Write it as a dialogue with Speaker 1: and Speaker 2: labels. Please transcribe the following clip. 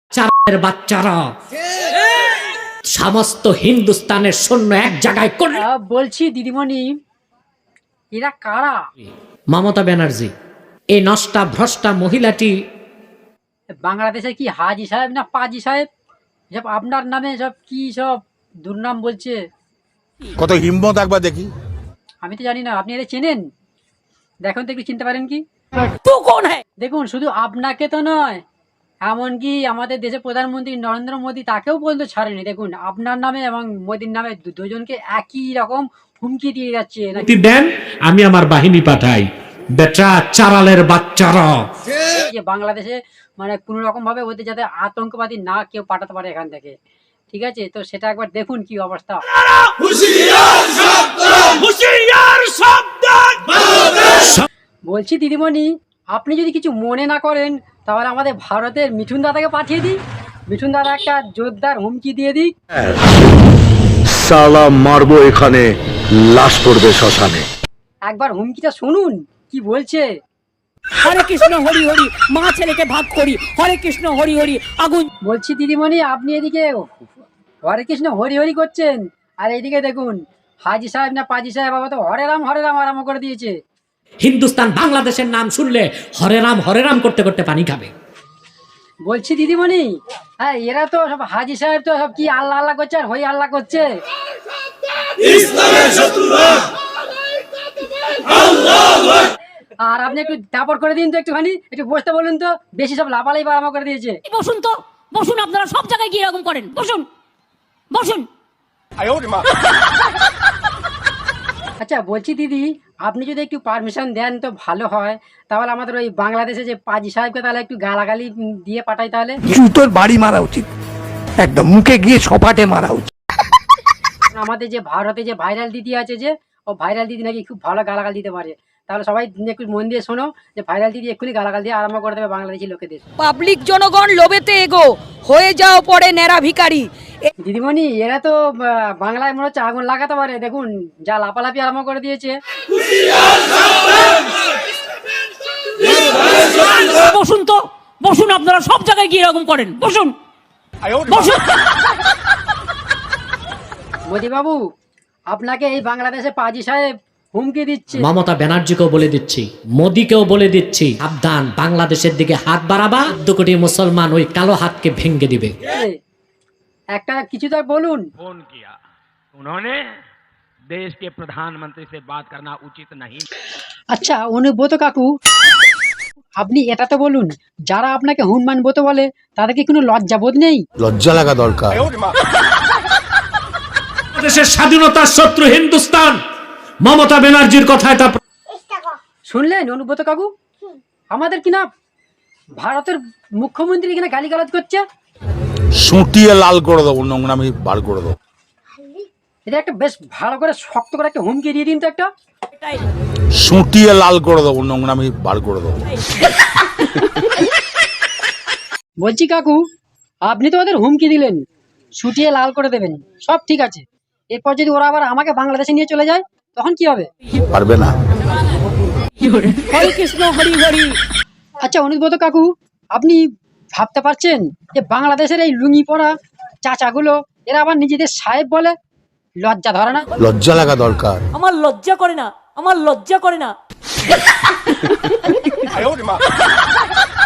Speaker 1: চারের বাচ্চারা সমস্ত হিন্দুস্তানের সৈন্য এক জায়গায় করে।
Speaker 2: বলছি দিদিমণি, এরা কারা?
Speaker 1: মমতা ব্যানার্জি, এই নষ্টা ভ্রষ্টা মহিলাটি
Speaker 2: বাংলাদেশে কি হাজি সাহেব না পাজি সাহেব? সব আপনার নামে সব কি সব দুর্নাম বলছে।
Speaker 3: কত হিম্মত একবার দেখি।
Speaker 2: আমি তো জানি না, আপনি এরা চেনেন? দেখুন তো একটু চিনতে পারেন কি?
Speaker 1: তু কোন হ্যায়?
Speaker 2: দেখুন, শুধু আপনাকে তো নয়, এমনকি আমাদের দেশের প্রধানমন্ত্রী নরেন্দ্র মোদী তাকেও পর্যন্ত ছাড়েনি। দেখুন, আপনার নামে এবং মোদীর নামে দুজনকে একই রকম হুমকি দিয়ে যাচ্ছে।
Speaker 1: দেন, আমি আমার বাহিনী পাঠাই। বেটা চারালের বাচ্চারা,
Speaker 2: যে বাংলাদেশে মানে কোনো রকম ভাবে ওদের যাতে আতঙ্কবাদী না কেউ পাঠাতে পারে এখান থেকে, ঠিক আছে? তো সেটা একবার দেখুন কি অবস্থা। বলছি দিদিমণি, আপনি যদি কিছু মনে না করেন তাহলে আমাদের ভারতের মিঠুন দাদাকে পাঠিয়ে দিই। মিঠুন দাদা একটা জোরদার হুমকি দিয়ে দিই।
Speaker 4: সালা মারবো এখানে, লাশ পড়বে শ্মশানে।
Speaker 2: একবার হুমকিটা শুনুন কি বলছে।
Speaker 5: হরে কৃষ্ণ হরি হরি, মা ছেলেকে ভাগ করি, হরে কৃষ্ণ হরি হরি, আগুন।
Speaker 2: বলছি দিদিমণি, আপনি এদিকে হরে কৃষ্ণ হরি হরি করছেন, আর এইদিকে দেখুন হাজি সাহেব না পাজি সাহেব বাবা তো হরে রাম আরম্ভ করে দিয়েছে।
Speaker 1: হিন্দুস্তান বাংলাদেশের নাম শুনলে হরে রাম করতে করতে পানি খাবে।
Speaker 2: বলছি দিদিমণি, হ্যাঁ এরা তো সব হাজি সাহেব তো সব কি আল্লাহ আল্লাহ করছে আর হই আল্লাহ করছে। আর আপনি একটু দাপড় করে দিন তো, একটুখানি একটু বসতে বলুন তো, বেশি সব লাপালাই আরম্ভ করে দিয়েছে।
Speaker 5: বসুন তো, বসুন, আপনারা সব জায়গায় গিয়ে এরকম করেন, বসুন বসুন।
Speaker 2: আচ্ছা বলছি দিদি, আপনি যদি একটু পারমিশন দেন তো ভালো হয়। তাহলে আমাদের ওই বাংলাদেশে যে পাজি সাহেবকে তাহলে একটু গালাগালি দিয়ে পাঠাই তাহলে।
Speaker 6: জুতোর বাড়ি মারা উচিত, একদম মুখে গিয়ে সপাটে মারা উচিত।
Speaker 2: আমাদের যে ভারতে যে ভাইরাল দিদি আছে, যে ও ভাইরাল দিদি নাকি খুব ভালো গালাগাল দিতে পারে। তাহলে সবাই একটু মন দিয়ে শোনো, যে ভাইরাল দিদি এক্ষুনি গালাগাল দিয়ে আরম্ভ করে দেবে বাংলাদেশি লোকেদের।
Speaker 5: পাবলিক জনগণ লোভেতে এগো, হয়ে যাও পরে ন্যাড়া ভিখারি।
Speaker 2: দিদিমণি, এরা তো বাংলায় মনে হচ্ছে আগুন লাগাতে পারে। দেখুন যা লাপালাপি আরম্ভ করে দিয়েছে।
Speaker 5: বসুন তো, বসুন, আপনারা সব জায়গায় গিয়ে এরকম করেন, বসুন বসুন।
Speaker 2: মোদি বাবু, আপনাকে এই বাংলাদেশে পাজি সাহেব হুমকি দিচ্ছে।
Speaker 1: মমতা ব্যানার্জিকেও বলে দিচ্ছি, মোদীকেও বলে দিচ্ছি, সাবধান, বাংলাদেশের দিকে হাত বাড়াবা, 2 কোটি মুসলমান ওই কালো হাতকে ভেঙে দিবে।
Speaker 2: একটা কিছু তো বলুন।
Speaker 7: फोन किया, उन्होंने देश के प्रधानमंत्री से बात करना उचित नहीं।
Speaker 2: আচ্ছা অনুব্রত কাকু, আপনি এটা তো বলুন, যারা আপনাকে হুনমানব্রত বলে তাদের কি কোনো লজ্জা বোধ নেই?
Speaker 3: লজ্জা লাগা দরকার।
Speaker 1: দেশের স্বাধীনতার শত্রু হিন্দুস্তান, মমতা ব্যানার্জির কথায় তা
Speaker 2: শুনলেন অনুব্রত কাকু? আমাদের কিনা ভারতের মুখ্যমন্ত্রী কিনা গালিগালাজ করছে।
Speaker 3: সুটিয়ে লাল করে দেবো, নোংরামি বার করে দেবো।
Speaker 2: এটা একটা বেশ ভালো করে শক্ত করে একটা হুমকি দিয়ে দিন তো একটা।
Speaker 3: সুটিয়ে লাল করে দেবো, নোংরামি বার করে দেবো।
Speaker 2: বলছি কাকু, আপনি তো ওদের হুমকি দিলেন ছুটিয়ে লাল করে দেবেন, সব ঠিক আছে। এরপর যদি ওরা আবার আমাকে বাংলাদেশে নিয়ে চলে যায় তখন কি হবে?
Speaker 3: পারবে না।
Speaker 5: হরে কৃষ্ণ হরি হরি।
Speaker 2: আচ্ছা অনুব্রত কাকু, আপনি ভাবতে পারছেন যে বাংলাদেশের এই লুঙ্গি পরা চাচাগুলো এরা আবার নিজেদের সাহেব বলে? লজ্জা ধরে না?
Speaker 3: লজ্জা লাগা দরকার।
Speaker 5: আমার লজ্জা করে না, আমার লজ্জা করে না।